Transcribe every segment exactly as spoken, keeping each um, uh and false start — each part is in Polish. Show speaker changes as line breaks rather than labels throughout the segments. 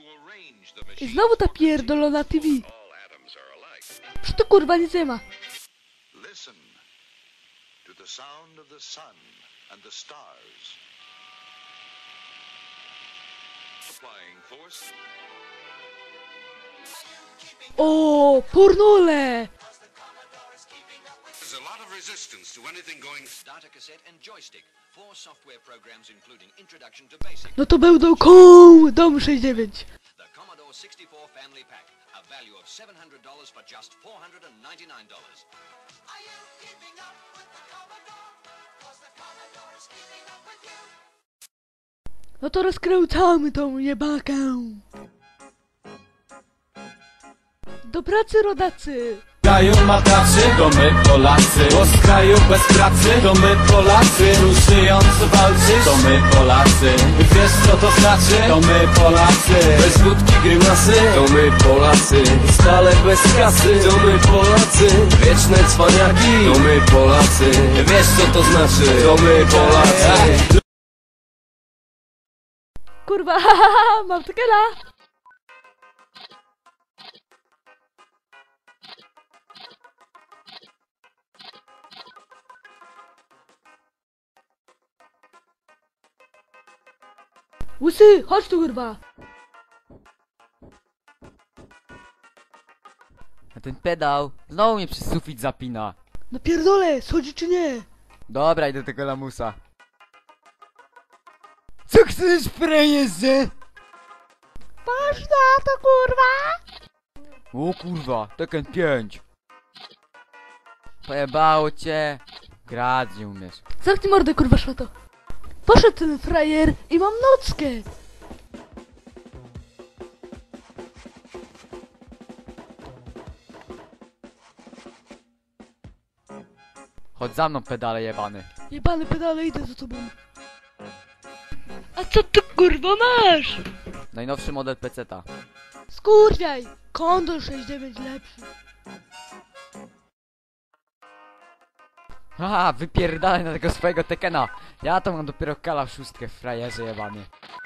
I znowu ta pierdolona T V. Przecież to kurwa nic nie ma.
Listen to the sound of the sun and the stars. Applying force.
O, pornole!
There's a lot of resistance to anything going.
Data cassette and joystick. Four software programs including Introduction to Basic.
No to będą koł dom sześćdziesiąt dziewięć.
The Commodore sixty-four Family Pack. A value of seven hundred dollars for just four hundred ninety-nine dollars. Are you keeping up with the Commodore? 'Cause the Commodore is keeping up with you.
No to rozkręcamy tą jebakę. Do pracy, rodacy!
Z kraju mataczy, to my Polacy. Bo z kraju bez pracy, to my Polacy. Tu żyjąc walczy, to my Polacy. Wiesz co to znaczy? To my Polacy. Bez wódki grymasy, to my Polacy. Stale bez kasy, to my Polacy. Wieczne cwaniaki, to my Polacy. Wiesz co to znaczy? To my Polacy.
Kurwa, haha, mam tekela! Łysy, chodź tu kurwa!
A ten pedał znowu mnie przez sufit zapina.
No pierdolę, schodzi czy nie?
Dobra, idę do tego lamusa. Co chcesz, frajerze?
Patrz na to kurwa!
O kurwa, Tekken pięć. Pojebało cię. Grać nie umiesz.
Zamknij mordę kurwa szmato! Poszedł ten frajer i mam nockę!
Chodź za mną, pedale jebany.
Jebany pedale, idę za tobą. A co ty kurwa masz?
Najnowszy model peceta.
Skurwiaj! Kondor sześćdziesiąt dziewięć lepszy.
Haha, wypierdalaj na tego swojego Tekkena. Ja to mam dopiero kala w szóstkę, frajerze jebany.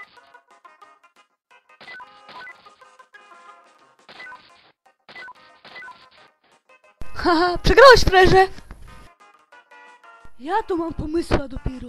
Haha, przegrałeś frajerze! Ja tu mam pomysła dopiero.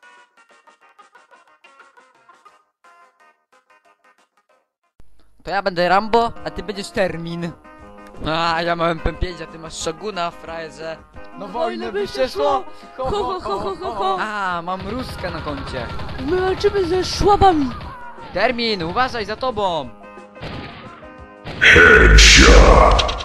To ja będę Rambo, a ty będziesz Termin. A ja mam M P pięć, a ty masz Shoguna, frajerze. No wojny by się szło! Ho, ho, ho, ho, ho, ho. A, mam Ruskę na koncie.
My walczymy ze szłabami.
Termin, uważaj za tobą!
Headshot.